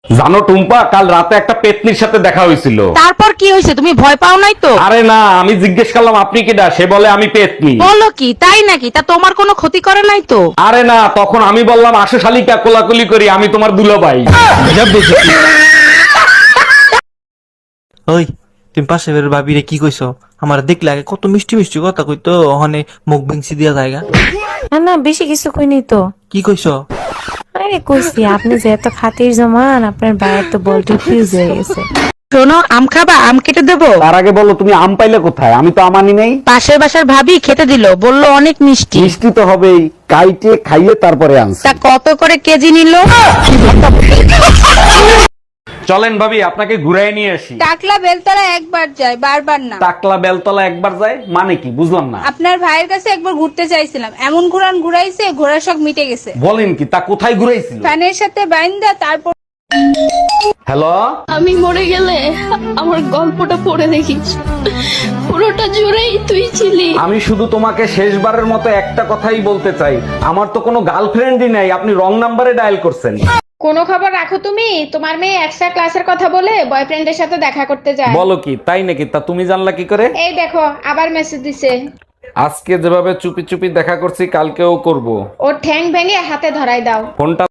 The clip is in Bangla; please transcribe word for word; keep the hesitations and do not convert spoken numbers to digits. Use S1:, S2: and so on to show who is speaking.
S1: জানো টুম্পা, কাল রাতে একটা পেতনির সাথে দেখা হয়েছিল।
S2: তারপর কি হয়েছে, তুমি ভয় পাও নাই তো?
S1: আরে না, আমি জিজ্ঞেস করলাম আপনি কিডা, সে বলে আমি পেতনি।
S2: বলো কি, তাই নাকি? তা তোমার কোনো ক্ষতি করে নাই তো?
S1: আরে না, তখন আমি বললাম আসো শালিকা, কোলাকুলি করি, আমি তোমার দুলাভাই।
S3: ওই তুমি পাশে বের ভাবিরে কি কইছো? আমার দেখলে আগে কত মিষ্টি মিষ্টি কথা কইতো, ওখানে মুখ ভেঙছি দিয়া জায়গা।
S4: না না, বেশি কিছু কইনি তো।
S3: কি কইছো?
S4: আরে কইছি আপনি যে এত খাতির জমান, আপনার বাইরে তো বলটি ফিউজ হয়ে গেছে।
S2: শোনো, আম খাবা? আম কেটে দেবো?
S1: তার আগে বলো তুমি আম পাইলে কোথায়? আমি তো আম আনি নাই।
S2: পাশের বাসার ভাবি খেতে দিল, বললো অনেক মিষ্টি।
S1: মিষ্টি তো হবেই, কাইটে খাইয়ে তারপরে আনছি।
S2: তা কত করে কেজি নিল?
S1: চলেন ভাবি, আপনাকে ঘুরাই নিয়ে আসি।
S5: টাকলা বেলতলা একবার যায়, বারবার না।
S1: টাকলা বেলতলা একবার যায় মানে কি, বুঝলাম না।
S5: আপনার ভাইয়ের কাছে একবার ঘুরতে চাইছিলাম, এমন ঘুরান ঘুরাইছে ঘোড়ার শখ মিটে গেছে।
S1: বলেন কি, তা কোথায় ঘুরাইছিল?
S5: ফ্যানের সাথে বাইন্দা তারপর।
S1: হ্যালো,
S6: আমি মরে গেলে আমার গল্পটা পড়ে দেখিস, পুরোটা জুড়েই তুই ছিলি।
S1: আমি শুধু তোমাকে শেষবারের মতো একটা কথাই বলতে চাই, আমার তো কোনো গার্লফ্রেন্ডই নাই, আপনি রং নাম্বারে ডায়াল করছেন।
S7: কোনো খবর রাখো তুমি? তোমার মেয়ে এক্সট্রা ক্লাসের কথা বলে বয়ফ্রেন্ডের সাথে দেখা করতে যায়।
S1: বলো কি, তাই নাকি? তা তুমি জানলা কি করে?
S7: এই দেখো আবার মেসেজ দিছে।
S1: আজকে যেভাবে চুপি চুপি দেখা করছি, কালকেও করব।
S7: ওর ঠ্যাং ভেঙে হাতে ধরাই দাও।
S1: ফোনটা